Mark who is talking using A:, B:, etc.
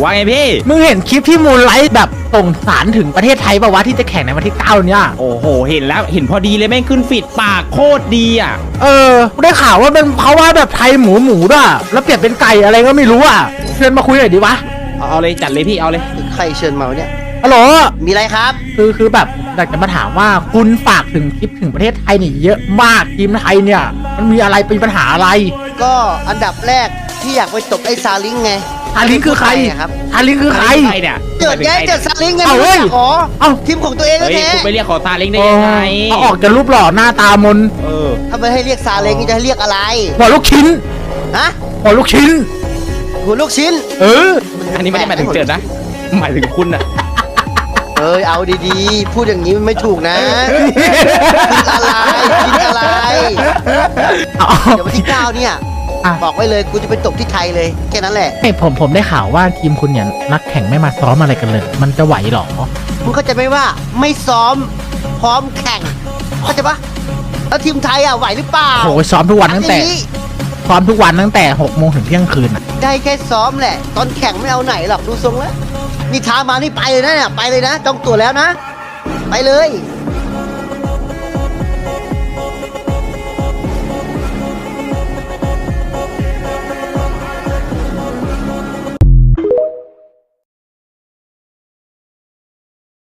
A: ว่าไงพี่
B: มึงเห็นคลิปที่มูลไลท์แบบส่งสารถึงประเทศไทยป่าวะที่จะแข่งในวันที่9เนี่ย
A: โอ้โหเห็นแล้วเห็นพอดีเลยแม่งขึ้นฟีดปากโคตรดีอ่ะ
B: ได้ข่าวว่าเป็นเพราะว่าแบบไทยหมูด้วยแล้วเปลี่ยนเป็นไก่อะไรก็ไม่รู้อ่ะเชิญมาคุยหน่อยดีวะ
A: เอาเลยจัดเลยพี่เอาเลย
C: ใครเชิญมาเนี่ย
B: ฮัลโหล
C: มีอะไรครับ
B: คือแบบอยากจะมาถามว่าคุณฝากถึงคลิปถึงประเทศไทยนี่เยอะมากทีมไทยเนี่ยมันมีอะไรเป็นปัญหาอะไร
C: ก็อันดับแรกที่อยากไปตบไอ้ซาลิงไง
B: ซาลิงคือใคร
C: ครับ
B: ซาลิงคือใคร
A: เนี่ย
C: เกิดซาลิงไงขอทีมของตัวเองแท้
A: คุณไปเรียกขอซาเล้งได้ยังไง
B: เอาออกจะรูปหล่อหน้าตามน
C: ถ้าไม่ให้เรียกซาเล้งจะให้เรียกอะไร
B: หัวลูกชิ้น
C: ฮะ
B: หัวลูกชิ้น
C: หัวลูกชิ้น
A: อันนี้ไม่ได้หมายถึงเจิดนะหมายถึงคุณอะ
C: เอาดีๆพูดอย่างนี้มันไม่ถูกนะกินอะไรเดี๋ยววันที่9เนี่ยบอกไว้เลยกูจะไปตบที่ไทยเลยแค่นั้นแหละ
B: ผมได้ข่าวว่าทีมคุณเนี่ยนักแข่งไม่มาซ้อมอะไรกันเลยมันจะไหวหรอ
C: มึงเข้าใจไหมว่าไม่ซ้อมพร้อมแข่งเข้าใจปะแล้วทีมไทยไหวหรือเปล่า
B: โอ้ซ้อมทุกวันตั้งแต่6 โมงถึงเที่ยงคืน
C: ได้แค่ซ้อมแหละตอนแข่งไม่เอาไหนหรอกดูทรงแล้วนี่ท้ามานี่ไปเลยนะเนี่ยไปเลยนะจองตั๋วแล้วนะไปเลย